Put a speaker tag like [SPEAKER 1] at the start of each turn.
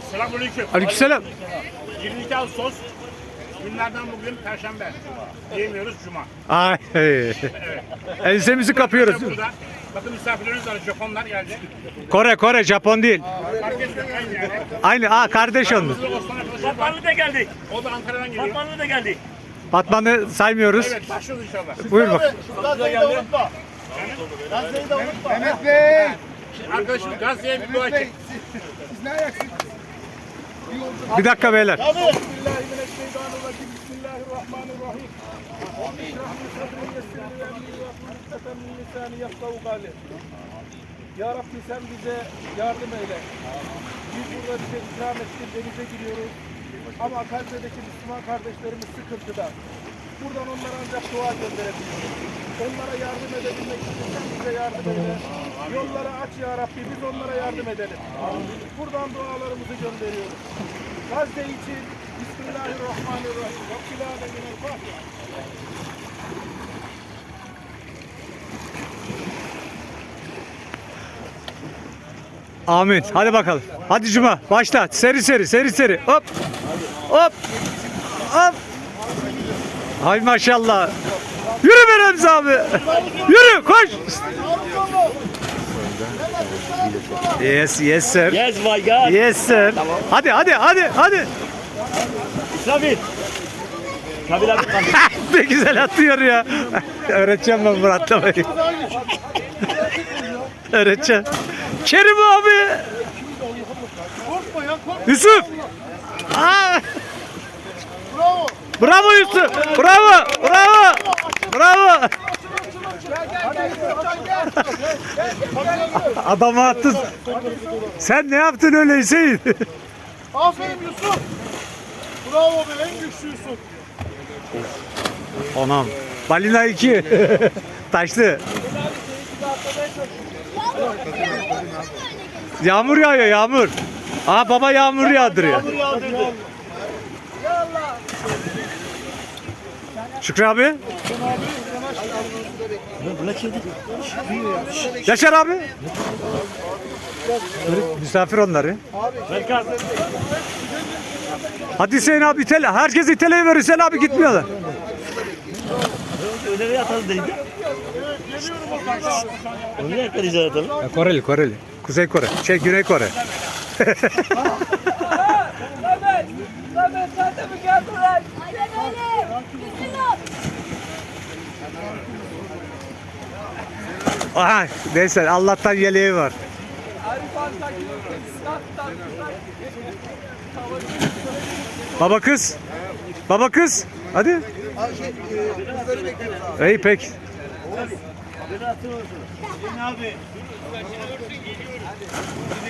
[SPEAKER 1] Selamünaleyküm.
[SPEAKER 2] Aleykümselam.
[SPEAKER 1] 22 Ağustos. Günlerden bugün Perşembe. Yemiyoruz Cuma.
[SPEAKER 2] Ay. Ensemizi kapıyoruz.
[SPEAKER 1] Burada. Bakın misafirlerimiz var. Japonlar geldi.
[SPEAKER 2] Kore, Japon değil.
[SPEAKER 1] Fark etmiyor aynı yani.
[SPEAKER 2] Aynı, kardeş onlar.
[SPEAKER 1] Aramızda Osman arkadaşımız var.
[SPEAKER 3] Batmanlı da geldik.
[SPEAKER 1] O da Ankara'dan geliyor.
[SPEAKER 3] Batmanlı da geldik.
[SPEAKER 2] Batman'ı saymıyoruz.
[SPEAKER 1] Evet başlıyoruz inşallah.
[SPEAKER 2] Buyur bak.
[SPEAKER 4] Gazze'yi de unutma. Gazze'yi de unutma. Mehmet Bey.
[SPEAKER 1] Arkadaşım Gazze'ye bir dua çek.
[SPEAKER 4] Siz ne ayaksınız?
[SPEAKER 2] Bir dakika beyler.
[SPEAKER 4] Bismillahirrahmanirrahim. Bismillahirrahmanirrahim. Ya Rabbi sen bize yardım eyle. Biz burada bize ikram ettin, denize giriyoruz. Ama Gazze'deki Müslüman kardeşlerimiz sıkıntıda. Buradan onlara ancak dua gönderebiliyoruz. Onlara yardım edebilmek için sen bize yardım eyle. Yolları aç ya Rabbi, biz onlara yardım edelim. Buradan dualarımızı gönderiyoruz. Gazze için Bismillahirrahmanirrahim. Rabbil alemin el-Fatiha.
[SPEAKER 2] Amin. Hadi bakalım. Hadi Cuma. Başla. Seri. Hop. Hop. Hop. Hay maşallah. Yürü be Remzi abi. Yürü koş. Yes sir.
[SPEAKER 3] Yes my God.
[SPEAKER 2] Yes sir. Hadi.
[SPEAKER 3] İsrafil. Kabil abi kaldı.
[SPEAKER 2] Ne güzel atıyor ya. Öğreteceğim ben bunu atlamayı. Öğreteceğim. Kerim abi. Yusuf. Aa. Bravo Yusuf. Bravo. Adamı attın. Sen ne yaptın öyle Hüseyin?
[SPEAKER 4] Aferin Yusuf. Bravo be, en güçlü Yusuf.
[SPEAKER 2] Anam. Balina 2. Taşlı. Yağmur yağıyor yağmur. Aa baba yağmur yağdırıyor. Şükrü abi. Yaşar abi. Misafir onları.
[SPEAKER 3] Berkan.
[SPEAKER 2] Hadi Hüseyin abi itele. Herkes iteleyi verir. Hüseyin abi gitmiyorlar.
[SPEAKER 3] Nereye atalım deyince? Nereye yakalayacağız atalım?
[SPEAKER 2] Koreli. Kuzey Kore. Güney Kore.
[SPEAKER 5] Aynen öyle. Kesin ol.
[SPEAKER 2] Aha, neyse Allah'tan yeleği var. Baba kız. Hadi. İyi pek.
[SPEAKER 3] Abi.